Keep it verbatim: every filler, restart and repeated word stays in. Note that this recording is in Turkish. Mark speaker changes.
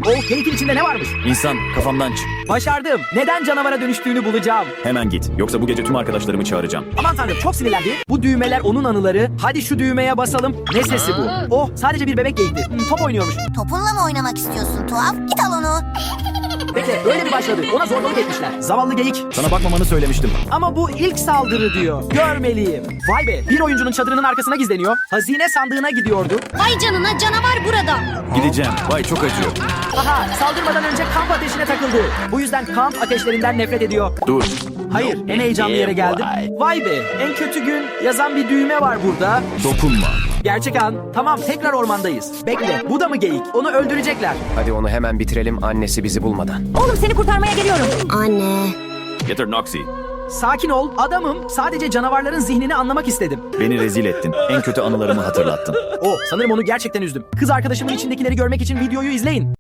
Speaker 1: O geyik içinde ne varmış?
Speaker 2: İnsan, kafamdan çık.
Speaker 1: Başardım. Neden canavara dönüştüğünü bulacağım.
Speaker 2: Hemen git. Yoksa bu gece tüm arkadaşlarımı çağıracağım.
Speaker 1: Aman tanrım, çok sinirlendi. Bu düğmeler onun anıları. Hadi şu düğmeye basalım. Ne sesi bu? Oh, sadece bir bebek geyikti. Hmm, top oynuyormuş.
Speaker 3: Topunla mı oynamak istiyorsun tuhaf? Git al onu.
Speaker 1: Bekle, öyle mi başladı? Ona zorbalık etmişler. Zavallı geyik.
Speaker 2: Sana bakmamanı söylemiştim.
Speaker 1: Ama bu ilk saldırı diyor. Görmeliyim. Vay be, bir oyuncunun çadırının arkasına gizleniyor. Hazine sandığına gidiyordu.
Speaker 3: Vay canına, canavar burada.
Speaker 2: Gideceğim. Vay çok acıyor.
Speaker 1: Aha, saldırmadan önce kamp ateşine takıldı. Bu yüzden kamp ateşlerinden nefret ediyor.
Speaker 2: Dur.
Speaker 1: Hayır, en heyecanlı yere geldim. Vay be, en kötü gün yazan bir düğme var burada.
Speaker 2: Dokunma.
Speaker 1: Gerçek an. Tamam, tekrar ormandayız. Bekle, bu da mı geyik? Onu öldürecekler.
Speaker 4: Hadi onu hemen bitirelim annesi bizi bulmadan.
Speaker 3: Oğlum, seni kurtarmaya geliyorum. Anne.
Speaker 2: Getir Noxy.
Speaker 1: Sakin ol, adamım. Sadece canavarların zihnini anlamak istedim.
Speaker 2: Beni rezil ettin. En kötü anılarımı hatırlattın.
Speaker 1: Oh, sanırım onu gerçekten üzdüm. Kız arkadaşımın içindekileri görmek için videoyu izleyin.